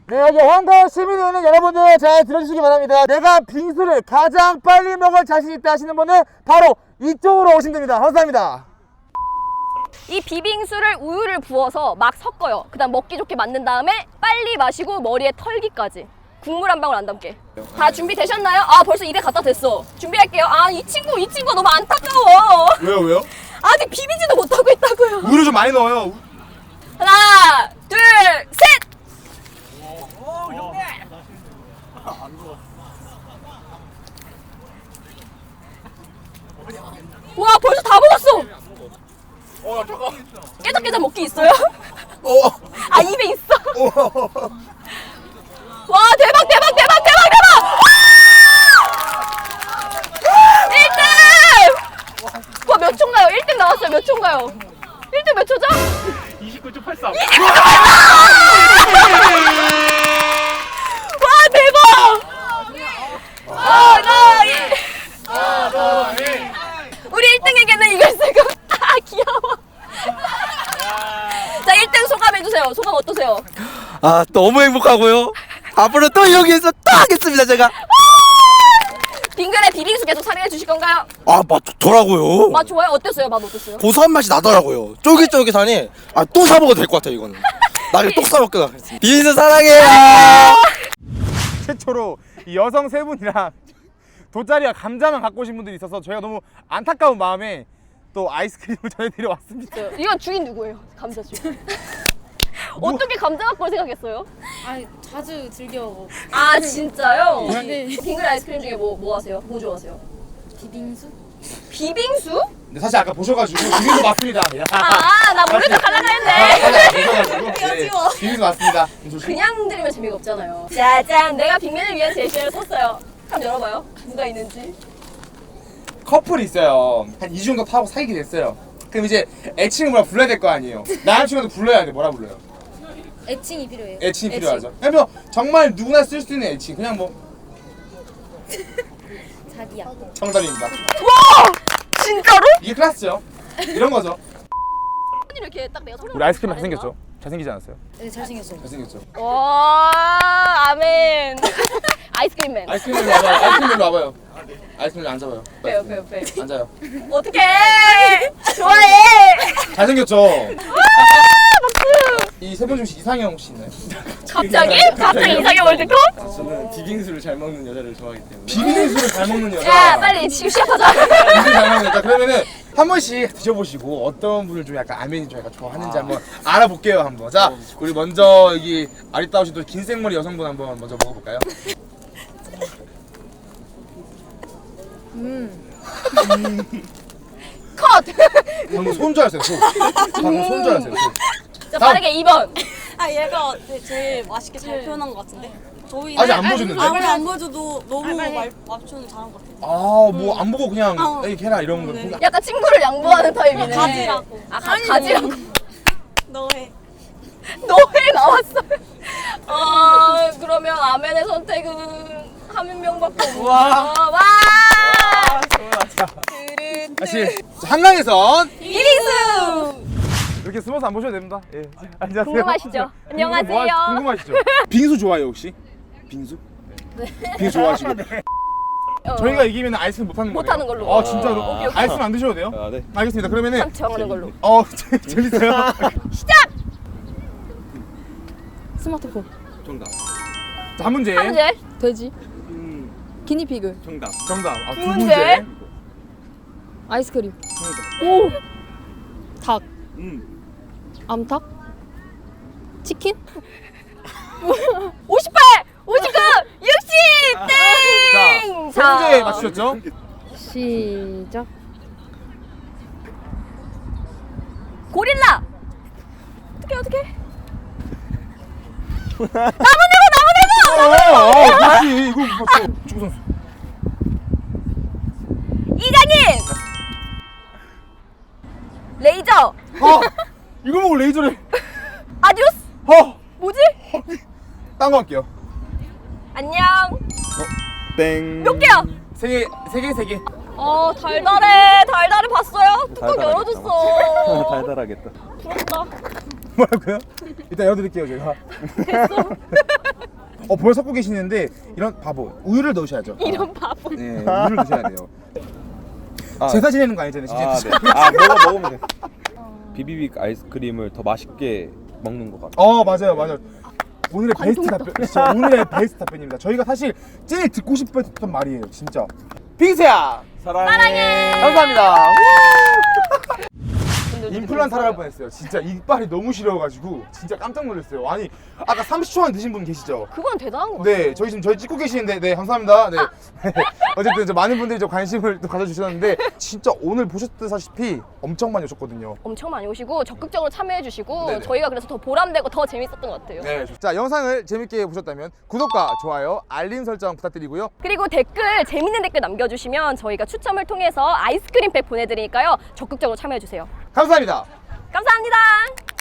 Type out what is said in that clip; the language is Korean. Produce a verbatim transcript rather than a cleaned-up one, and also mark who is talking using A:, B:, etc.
A: 네, 여기 황가을 시민에 있는 여러분들 잘 들어주시기 바랍니다. 내가 빙수를 가장 빨리 먹을 자신 있다 하시는 분은 바로 이쪽으로 오시면 됩니다. 감사합니다.
B: 이 비빙수를 우유를 부어서 막 섞어요. 그 다음 먹기 좋게 만든 다음에 빨리 마시고 머리에 털기까지. 국물 한 방울 안 담게. 다 준비되셨나요? 아 벌써 입에 갖다 댔어. 준비할게요. 아 이 친구 이 친구 너무 안타까워.
A: 왜요, 왜요?
B: 아직 비비지도 못하고 있다고요.
A: 우유를 좀 많이 넣어요.
B: 하나 둘 셋. 와 벌써 다 먹었어.
A: 어, 잠깐.
B: 깨작깨작 먹기 있어요?
A: 어.
B: 아 입에 있어?
A: 어.
B: 와 대박 대박 대박 대박 대박! 일 등! 와 몇 초인가요? 일 등 나왔어요. 몇 초인가요? 일 등 몇 초죠?
C: 이십구 초 팔십삼.
B: 와 대박! 아, 나 이- 우리 일 등에게는 이걸 쓰고 아 귀여워. 자 일 등 소감 해주세요. 소감 어떠세요?
D: 아 너무 행복하고요. 앞으로 또 여기에서 또 하겠습니다 제가.
B: 빙글의 비빙수 계속 사랑해 주실 건가요?
D: 아 맛 좋더라고요.
B: 맛 좋아요? 어땠어요? 맛 어땠어요?
D: 고소한 맛이 나더라고요. 쫄깃쫄깃하니 아 또 사 먹어도 될 것 같아요 이거는. 나중에 또 사 먹게 하겠습니다. 빙수 사랑해요.
A: 최초로 이 여성 세 분이랑 돗자리와 감자만 갖고 오신 분들이 있어서 저희가 너무 안타까운 마음에 또 아이스크림을 전해드려 왔습니다.
B: 이건 주인 누구예요? 감자 주인. 어떻게 감자 갖고 올 생각했어요?
E: 아 자주 즐겨 먹어.
B: 아 진짜요?
E: 네.
B: 빙글 아이스크림 중에 뭐, 뭐 하세요? 뭐 좋아하세요?
E: 비빙수?
B: 비빙수?
A: 근데 사실 아까 보셔가지고 비빔도 맞습니다.
B: 아 나 모르는 척 하려고 했네.
A: 비빔도 맞습니다.
B: 그냥 들으면 재미가 없잖아요. 짜잔 내가 빅맨을 위한 제시어를 썼어요. 한번 열어봐요. 누가 있는지.
A: 커플이 있어요. 한 이 주 정도 타고 사귀게 됐어요. 그럼 이제 애칭을 뭐라 불러야 될 거 아니에요. 남친한테 불러야 돼. 뭐라 불러요?
E: 애칭이 필요해요.
A: 애칭이 필요하죠. 그냥 뭐 정말 누구나 쓸 수 있는 애칭. 그냥 뭐
E: 자기야.
A: 정답입니다.
B: 와 진짜로?
A: 이게 클래스죠. 이런 거죠.
B: 이렇게 딱 내가 소리.
A: 우리 아이스크림 잘생겼죠? 잘생기지 않았어요?
E: 네 잘생겼어요.
A: 잘생겼죠.
B: 와 아멘. 아이스크림맨.
A: 아이스크림으로 와봐요. 아이스크림으로 와봐요. 아이스크림 앉아봐요.
B: 빼요 빼요 빼요.
A: 앉아요.
B: 어떡해. 좋아해.
A: 잘생겼죠? 이 세 분 중에 이상형 혹시 있나요?
B: 갑자기? 갑자기 이상형 월드컵?
D: 저는 비빙수를 잘 먹는 여자를 좋아하기 때문에.
A: 비빔국수를 잘 먹는 여자.
B: 야 빨리 지금 시작하자.
A: 비빔국수 잘 먹는 여자. 그러면은 한 번씩 드셔보시고 어떤 분을 좀 약간 아멘이 좀 약간 좋아하는지 한번 알아볼게요 한번. 자 우리 먼저 여기 아리따우신 또 긴 생머리 여성분 한번 먼저 먹어볼까요?
B: 컷.
A: 방금 손 줄 알았어요. 손. 방금 손 줄 알았어요. 손.
B: 자 빠르게 이 번.
F: 아 얘가 제일 맛있게 잘 표현한 것 같은데 저희는
A: 아직 안 보여줬는데?
F: 아, 빨리 안 보여줘도 너무 말, 맞추는 잘한 것 같아요.
A: 아 뭐 안 보고 그냥
F: 어.
A: 에이 걔라 이런 거.
F: 네.
A: 그냥
B: 약간 친구를 양보하는 타입이네.
F: 가지라고.
B: 아 가, 가지라고.
F: 너의
B: 너왜 나왔어? 어 그러면 아멘의 선택은 한 명밖에 없어.
A: 와.
B: 와.
A: 다시 한강에선
B: 비빙수.
A: 이렇게 숨어서 안 보셔도 됩니다. 예. 안녕하세요.
B: 궁금하시죠? 안녕하세요.
A: 뭐 하- 궁금하시죠? 빙수 좋아해요 혹시? 빙수? 네. 빙수 좋아하시고.
B: 어,
A: 저희가 이기면 아이스크림 못 하는 거예요.
B: 못 하는 걸로.
A: 아 진짜로?
B: 오케이, 오케이.
A: 아이스크림 안 드셔도 돼요?
D: 아 네.
A: 알겠습니다. 그러면은
B: 참 정하는 걸로.
A: 어 재- 재밌어요.
B: 시작.
E: 스마트폰.
D: 정답.
A: 자, 한 문제.
B: 한 문제.
E: 돼지.
D: 음
E: 기니피그.
D: 정답.
A: 정답. 아, 두
B: 두
A: 문제.
B: 문제.
E: 아이스크림.
A: 정답.
E: 오. 닭.
D: 음
E: 암탉. 치킨.
B: 오십팔, 오십구, 육십 땡.
A: 자, 세 문제 맞추셨죠?
E: 시작.
B: 고릴라. 어떻게 어떻게?
A: 어, 어, 그렇지. 이거 봤어. 축구 선수.
B: 이장님. 레이저.
A: 어, 이거 보고 레이저를.
B: 아디오스.
A: 어,
B: 뭐지?
A: 딴 거 할게요.
B: 안녕.
D: 땡.
B: 몇 개야?
A: 세 개, 세 개, 세 개.
B: 어 달달해. 달달해 봤어요? 뚜껑
D: 달달하겠다.
B: 열어줬어.
D: 달달하겠다.
B: 부럽다.
A: 뭐라고요? 일단 열어드릴게요 제가. 어 벌써 섞고 계시는데 이런 바보 우유를 넣으셔야죠.
B: 이런 바보.
A: 네 우유를 넣으셔야 돼요.
D: 아,
A: 제사 지내는 거 아니잖아요. 진짜.
C: 아, 네. 아, 먹어 먹으면 돼. 비비빅 아이스크림을 더 맛있게 먹는 것 같아.
A: 어 맞아요 맞아요. 오늘의 베스트 답변 진짜 오늘의 베스트 답변입니다. 저희가 사실 제일 듣고 싶었던 말이에요 진짜. 빙수야
C: 사랑해.
B: 사랑해.
A: 감사합니다. 임플란트 하러 갈 뻔했어요. 진짜 이빨이 너무 시려가지고 진짜 깜짝 놀랐어요. 아니 아까 삼십 초만 드신 분 계시죠?
B: 그건 대단한 거 같아요.
A: 네, 저희 지금 저희 찍고 계시는데, 네 감사합니다. 네, 어쨌든 저 많은 분들이 저 관심을 또 가져주셨는데 진짜 오늘 보셨다시피 엄청 많이 오셨거든요.
B: 엄청 많이 오시고 적극적으로 참여해주시고
A: 네네.
B: 저희가 그래서 더 보람되고 더 재밌었던 것 같아요.
A: 네, 자 영상을 재밌게 보셨다면 구독과 좋아요, 알림 설정 부탁드리고요.
B: 그리고 댓글 재밌는 댓글 남겨주시면 저희가 추첨을 통해서 아이스크림팩 보내드리니까요 적극적으로 참여해주세요.
A: 감사합니다.
B: 감사합니다.